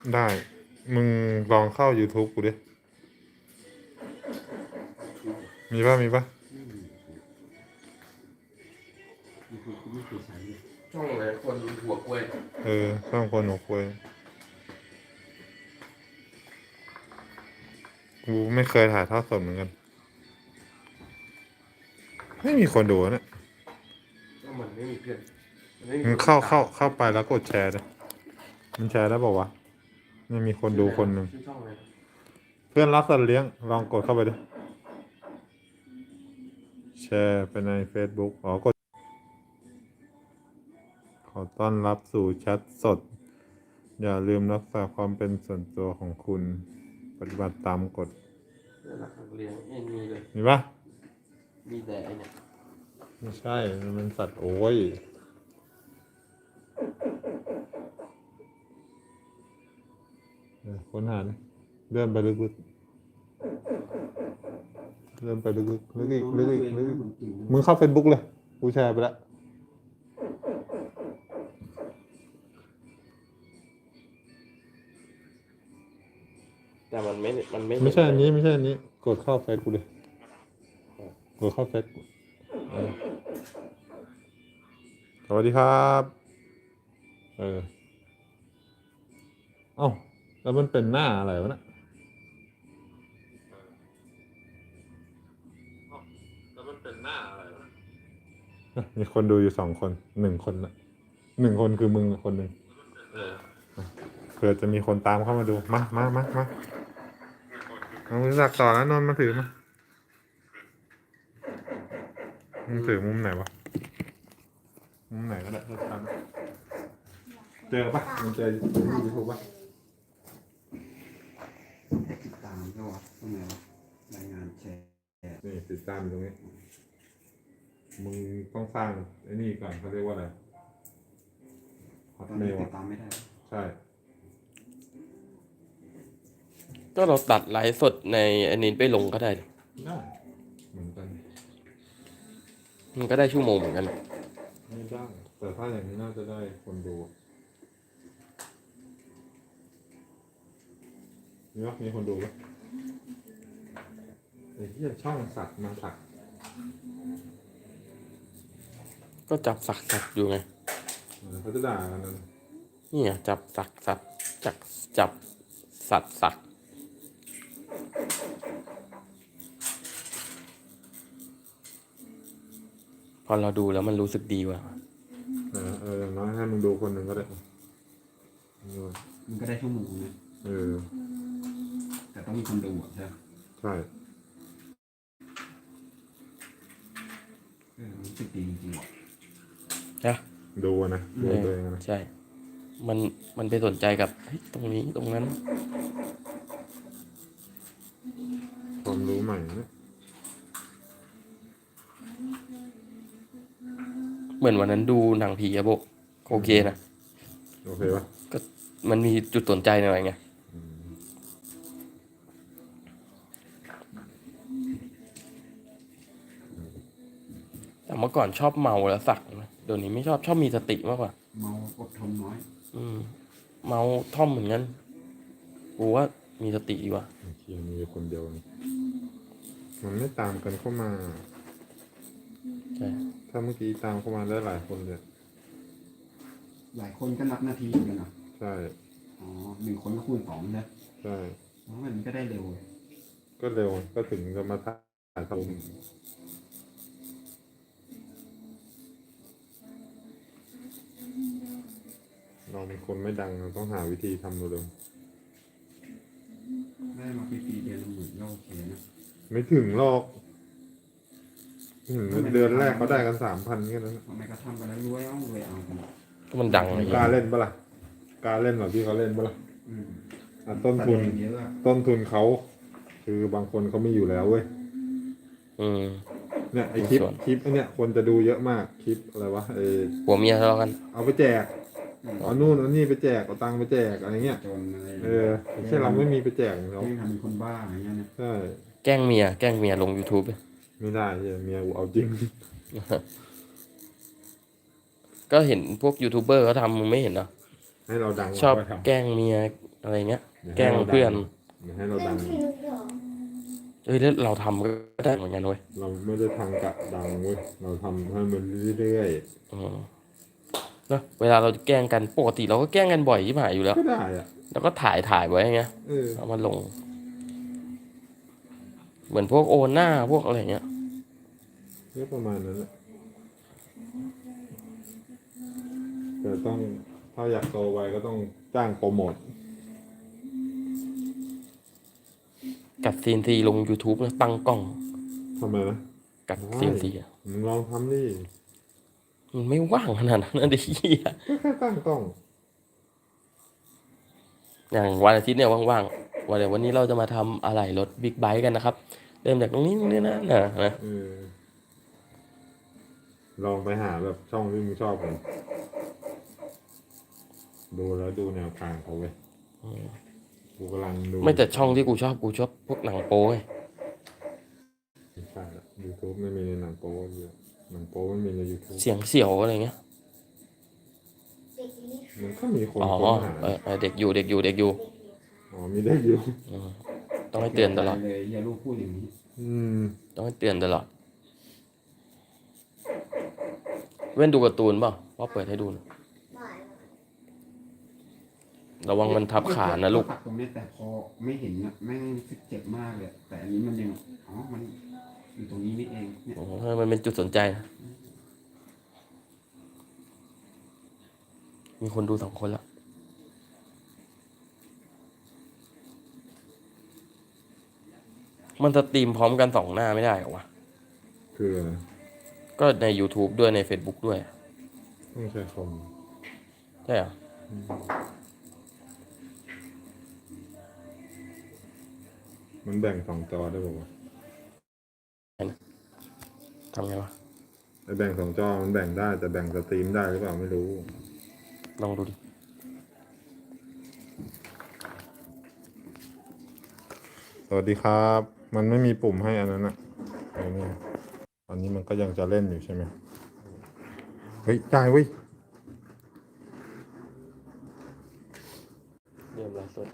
ได้ มึงลองเข้า YouTube กูดิ มีป่ะไม่มี YouTube กูไม่เคยใช้เลยช่องอะไรคนหัวกล้วยช่องคนหัวควยกูไม่เคยถ่ายทอดสดเหมือนกัน ไม่มีคนดูนะก็มันไม่มีเพื่อนมึงเข้าไปแล้วกดแชร์เลยมันแชร์ได้บอกว่าวะไม่มีคนดูคนหนึ่งชื่อช่องอะไรนะเพื่อนรักสัตว์เลี้ยง ลองกดเข้าไปดิ แชร์ไปใน Facebook กด ขอต้อนรับสู่แชทสด อย่าลืมรักษาความเป็นส่วนตัวของคุณ ปฏิบัติตามกฎเพื่อนรักสัตว์เลี้ยงมีเลยมีปะมีแต่ไอเนี่ยไม่ใช่ มันเป็นสัตว์โอ้ยค้นหาดิเลื่อนไปลึกๆเลื่อนไปลึกๆลึกอีกลึกอีกลึกอีกมึงเข้า Facebook เลย กูแชร์ไปแล้วแต่มันไม่ไม่ใช่อันนี้ ไม่ใช่อันนี้ กดเข้าเฟซกูเลย กดเข้าเฟซสวัสดีครับ เอ้า แล้วมันเป็นหน้าอะไรวะเนี่ยแล้วมันเป็นหน้าอะไรวะมีคนดูอยู่2 คน 1 คนละ1 คนคือมึงคนหนึ่งเผื่อจะมีคนตามเข้ามาดู มาเอามือสักต่อแล้วนนท์มาถือมามึงถือมุมไหนวะ มุมไหนก็ได้ถ้าทำเจอปะมึงเจอยูทูบปะติดตามก็วะตรงไหนวะรายงานแชร์นี่ติดตามอยู่ตรงนี้ มึงต้องสร้างไอ้นี่ก่อนเขาเรียกว่าอะไรฮอตตอนเมนี้ลติดตามไม่ได้ใช่ก็เราตัดไลฟ์สดในอันนี้ไปลงก็ได้ดิได้เหมือนกันมันก็ได้ชั่วโมงเหมือนกันไม่ได้แต่ถ้าอย่างนี้น่าจะได้คนดูมีคนดูปะไอ้ที่ช่องสัตว์มาสักก็จับสักอยู่ไงเขาจะด่ากันนะนี่ไงจับสักจับสักพอเราดูแล้วมันรู้สึกดีว่ะอย่างน้อยให้มึงดูคนหนึ่งก็ได้มันก็ได้ชั่วโมงนะ แต่ต้องมีคนดูอ่ะใช่ไหมใช่รู้สึกดีจริงๆว่ะนะดูนะดูตัวเองนะใช่ มันไปสนใจกับตรงนี้ตรงนั้นความรู้ใหม่นะเหมือนวันนั้นดูหนังผีอะโบโอเคนะโอเคปะก็มันมีจุดสนใจหน่อยไงแต่เมื่อก่อนชอบเมาแล้วสักนะเดี๋ยวนี้ไม่ชอบมีสติมากกว่าเมาอดทนน้อยเมาท่อมเหมือนกันกูว่ามีสติดีกว่าเคียมีคนเดียวนี่มันไม่ตามกันเข้ามาใช่ถ้าเมื่อกี้ตามเข้ามาได้หลายคนเลยหลายคนก็นับนาทีเหมือนกันนะใช่อ๋อ1 คนก็คูณ2นะใช่มันก็ได้เร็วก็เร็วก็ถึงจะมาถ่ายทำเราเป็นคนไม่ดังเราต้องหาวิธีทำเร็วได้มาฟรีๆเดือนละ10,000ก็โอเคนะๆไม่ถึงหรอกเดือนแรกเขาได้กัน3,000แค่นั้นทำไมก็ทำกันแล้วรวยเอากันก็มันดังอะไรกล้าเล่นปะล่ะกล้าเล่นแบบที่เขาเล่นปะล่ะต้นทุนเยอะอะต้นทุนเขาคือบางคนเขาไม่อยู่แล้วเว้ย เนี่ยไอคลิปไอเนี่ยคนจะดูเยอะมากคลิปอะไรวะผัวเมียทะเลาะกันเอาไปแจกเอานู่นเอานี่ไปแจกเอาตังค์ไปแจกอะไรเงี้ยจนอะไรไม่ใช่เราไม่มีไปแจกเขาไม่ทำเป็นคนบ้าอะไรเงี้ยนะใช่แกล้งเมียลง YouTube ไม่ได้เมียกูเอาจริงก็เห็นพวกยูทูบเบอร์เขาทำมึงไม่เห็นเหรอให้เราดังชอบเราก็ทำแกล้งเมียอะไรเงี้ย แกล้งเพื่อนเดี๋ยวให้เราดังแล้วเราทำก็ได้เหมือนกันเว้ยเราไม่ได้ทำกะดังเว้ยเราทำให้มันเรื่อยอืมแล้วเวลาเราแกล้งกันปกติเราก็แกล้งกันบ่อยที่หายอยู่แล้วๆก็ได้อ่ะแล้วก็ถ่ายไว้ไงเออเอามาลง เหมือนพวกโอน่าพวกอะไรเงี้ยก็ประมาณนั้นแหละแต่ต้องถ้าอยากโตไวก็ต้องจ้างโปรโมทกัดซีนซีลง YouTube นะตั้งกล้องทำไมนะกัดซีนซีอะมึงลองทำดิมันไม่ว่างขนาดนั้นนะเด็กเหี้ยก็แค่ตั้งกล้องอย่างวันอาทิตย์เนี่ยว่างๆวันนี้เราจะมาทำอะไรรถบิ๊กไบค์กันนะครับ เริ่มจากตรงนี้นะนะเออ ลองไปหาแบบช่องที่มึงชอบกันดูแล้วดูแนวทางเขาเว้ยกูกำลังดูไม่แต่ช่องที่กูชอบพวกหนังโป๊ไงไม่ใช่ละ YouTube ไม่มีในหนังโป๊เยอะหนังโป๊ไม่มีใน YouTube เสียงเสี่ยวอะไรเงี้ยมันก็มีคนอ๋อค้นหาเด็กอยู่อ๋อมีได้อยู่อืมต้องให้เตือนตลอดเลยอย่าลูกพูดอย่างนี้อืมต้องให้เตือนตลอด เว้นดูการ์ตูนเปล่าพ่อเปิดให้ดูหน่อยระวังมันทับขานะลูกตัดตรงนี้แต่พอไม่เห็นนะแม่งรู้สึกเจ็บมากเลยแต่อันนี้มันยังอ๋อมันอยู่ตรงนี้นี่เองเนี่ยโอ้โหมันเป็นจุดสนใจนะมีคนดู2 คนแล้ว มันสตรีมพร้อมกัน2 หน้าไม่ได้เหรอวะคืออะไรก็ใน YouTube ด้วยใน Facebook ด้วยต้องใช้คอมใช่เหรอมันแบ่ง2 จอได้ป่าวะทำไงวะไอ้แบ่ง2 จอมันแบ่งได้แต่แบ่งสตรีมได้หรือเปล่าไม่รู้ลองดูดิสวัสดีครับ มันไม่มีปุ่มให้อันนั้นอะไอ้นี่ตอนนี้มันก็ยังจะเล่นอยู่ใช่ไหมเฮ้ยได้เว้ยเริ่มไลฟ์สด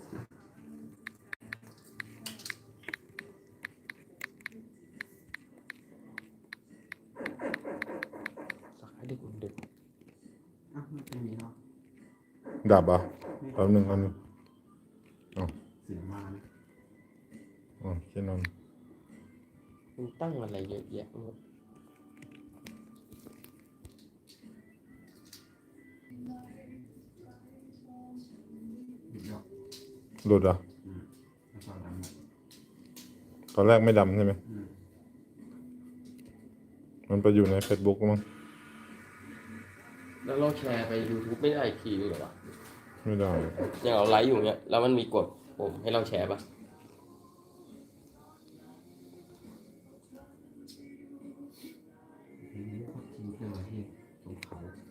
สักให้ดึกอ้าวไม่มีหรอกดับเหรอ่ะแป๊บนึงอ๋อเสียงมานะอ๋อแค่นั้นมันตั้งอะไรเยอะแยะหมดหยุดหรอกหลุดเหรอ่ะแล้วก็ดำหมดตอนแรกไม่ดำใช่ไหมอืมมันไปอยู่ใน Facebook มั้งแล้วเราแชร์ไป YouTube ไม่ได้อีกทีหรอวะไม่ได้อย่างเราไลฟ์อยู่เนี้ยแล้วมันมีกดปุ่มให้เราแชร์ปะทีนี้ก็ทิ้งเครื่องไว้ที่ตรงเขา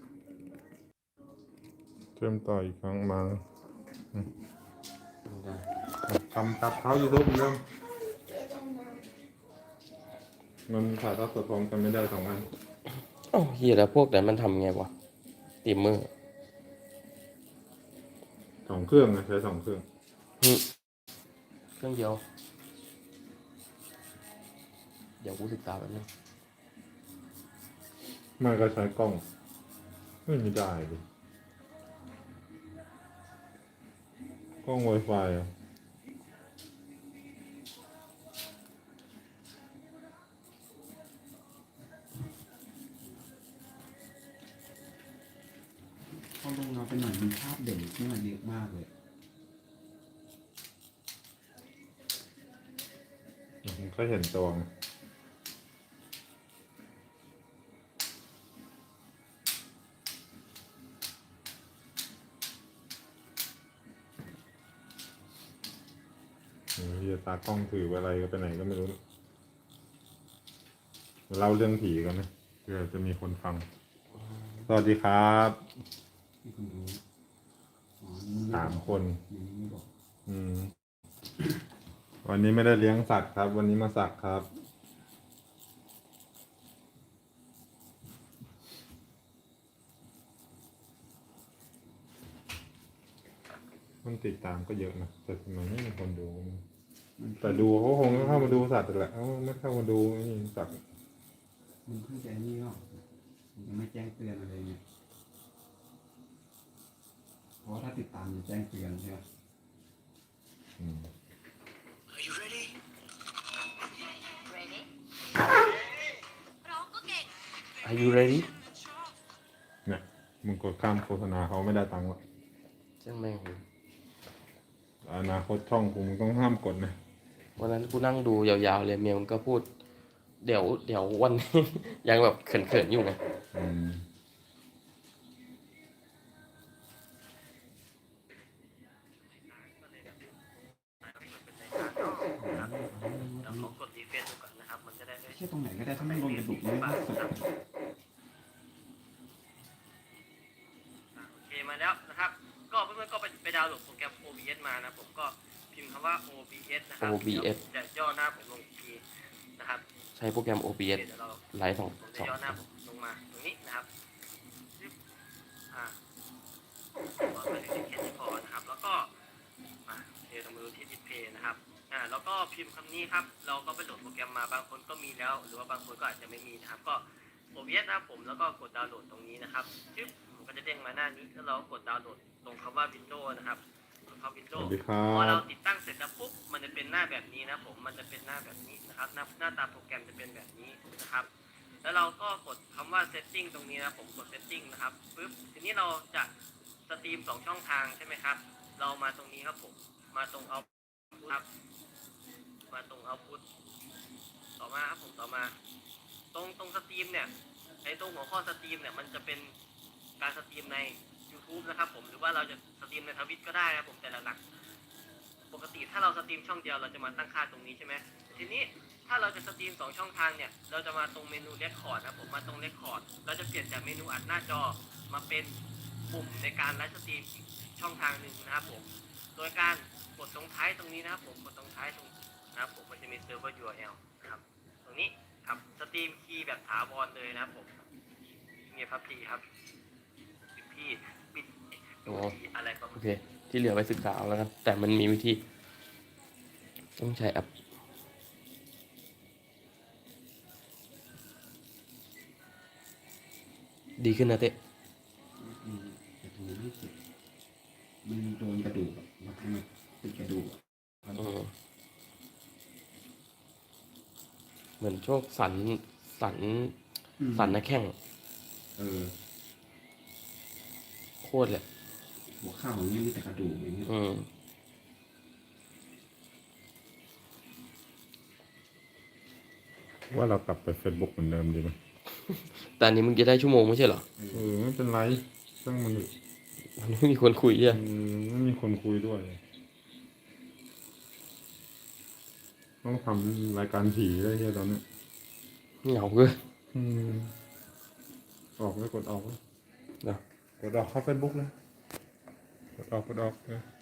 เชื่อมต่ออีกครั้งมาไม่ได้ทำกับเขา YouTube เหมือนเดิมมันถ่ายทอดสดพร้อมกันไม่ได้2 อันอ้าวเฮียแล้วพวกนั้นมันทำไงวะตีมเมอร์ 2 เครื่องนะใช้2 เครื่องเครื่องเดียว เดี๋ยวกูศึกษาแป๊บนึงไม่ก็ใช้กล้องไม่ได้เลยกล้อง Wi-Fi อ่ะพอลงเราไปหน่อยมีภาพเด่นขึ้นมาเยอะมากเลยก็เห็นตัวไงเฮียตากล้องถืออะไรก็ไปไหนก็ไม่รู้เล่าเรื่องผีกันนะเพื่อจะมีคนฟัง สวัสดีครับที่คุณรู้อ๋อนี่ไม่ 3 คนนี่ไม่บอกวันนี้ไม่ได้เลี้ยงสัตว์ครับ วันนี้มาสักครับคนติดตามก็เยอะนะแต่ทำไมไม่มีคนดูมันแต่ดูเขาคงเข้ามาดูสัตว์แหละเขาไม่เข้ามาดูนี่สัตว์มันเพิ่งจะนี่หรอกมันยังไม่แจ้งเตือนอะไรเงี้ยเพราะว่าถ้าติดตามจะแจ้งเตือนใช่ไหมอืม Are you ready? Ready ร้องก็เก่ง Are you ready เนี่ยมึงกดข้ามโฆษณาเขาไม่ได้ตังค์หรอกช่างแม่งอนาคตช่องกูมึงต้องห้ามกดนะวันนั้นกูนั่งดูยาวๆเลยเมียมันก็พูด เดี๋ยววันนี้ ยังแบบเขินๆอยู่ไงอืมแล้วขอกดรีเฟรชดูก่อนนะครับ มันจะได้ไม่ไม่ใช่ตรงไหนก็ได้ถ้าไม่โดนกระดูกไม่ได้สุดโอเคมาแล้วนะครับ ก็เพื่อนๆก็ไปดาวน์โหลดโปรแกรม OBS มานะผมก็พิมพ์คำว่า OBS นะครับ OBS จะย่อหน้าผมลงอีกทีนะครับใช้โปรแกรม OBS เดี๋ยวเราไลฟ์สองผมจะย่อหน้าผมลงมาตรงนี้นะครับก็ไปที่แค่นี้พอนะครับ แล้วก็เดี๋ยวเรามาดูที่ดิสเพย์นะครับแล้วก็พิมพ์คำนี้ครับ เราก็ไปโหลดโปรแกรมมาบางคนก็มีแล้ว หรือว่าบางคนก็อาจจะไม่มีนะครับ ก็ OBS นะครับผมแล้วก็กดดาวน์โหลดตรงนี้นะครับจึ๊บมันก็จะเด้งมาหน้านี้แล้วเราก็กดดาวน์โหลดตรงคำว่า Windows นะครับกดเข้าส Windows วัสดีครัพอเราบติดตั้งเสร็จแล้วปุ๊บมันจะเป็นหน้าแบบนี้นะผมมันจะเป็นหน้าแบบนี้นะครับหน้าตาโปรแกรมจะเป็นแบบนี้นะครับ แล้วเราก็กดคำว่า setting ตรงนี้นะผมกด setting นะครับปุ๊บทีนี้เราจะสตรีม2ช่องทางใช่ไหมครับ เรามาตรงนี้ครับผมมาตรงเอาครับมาตรงเอาพุทต่อมาครับผมต่อมา ตรงสตรีมเนี่ยไอ้ตรงหัวข้อสตรีมเนี่ยมันจะเป็นการสตรีมใน YouTube นะครับผมหรือว่าเราจะสตรีมในทวิตก็ได้นะผมแต่หลักๆปกติถ้าเราสตรีมช่องเดียวเราจะมาตั้งค่าตรงนี้ใช่ไหมทีนี้ถ้าเราจะสตรีม2ช่องทางเนี่ยเราจะมาตรงเมนูเรคคอร์ดนะผมมาตรงเรคคอร์ดเราจะเปลี่ยนจากเมนูอัดหน้าจอมาเป็นปุ่มในการไลฟ์สตรีมอีกช่องทางหนึ่งนะครับผมโดยการกดตรงท้ายตรงนี้นะครับผมกดตรงท้ายตรงนะครับผมมันจะมีเซิร์ฟเวอร์ URL นะครับตรงนี้ครับสตรีมคีย์แบบถาวรเลยนะครับผมเงียบครับพี่ครับพี่ปิดดูที่อะไรประมาโอณเค ที่เหลือไปศึกษาเอาแล้วกัน แต่มันมีวิธี ต้องใช้แอป ดีขึ้นนะเต้แต่ตรงนี้ไม่เจ็บมันโดนกระดูกอะมาทำให้ติดกระดูกอะเหมือนโชคสันหน้าแข้งเออโคตรเลยหัวเข่าอย่างเงี้ยมีแต่กระดูกอย่างเงี้ยว่าเรากลับไป Facebook เหมือนเดิมดีไหมแต่อันนี้มึงจะได้ชั่วโมงไม่ใช่เหรอไม่เป็นไรต้องมันมันไม่มีคนคุยใช่ไหมไม่มีคนคุยด้วย ต้องทำรายการผีได้เฮียตอนเนี้ยเหงาเกินอืมออกเลยกดออกเลยเนอะกดออกเข้า Facebook เลยกดออกเลย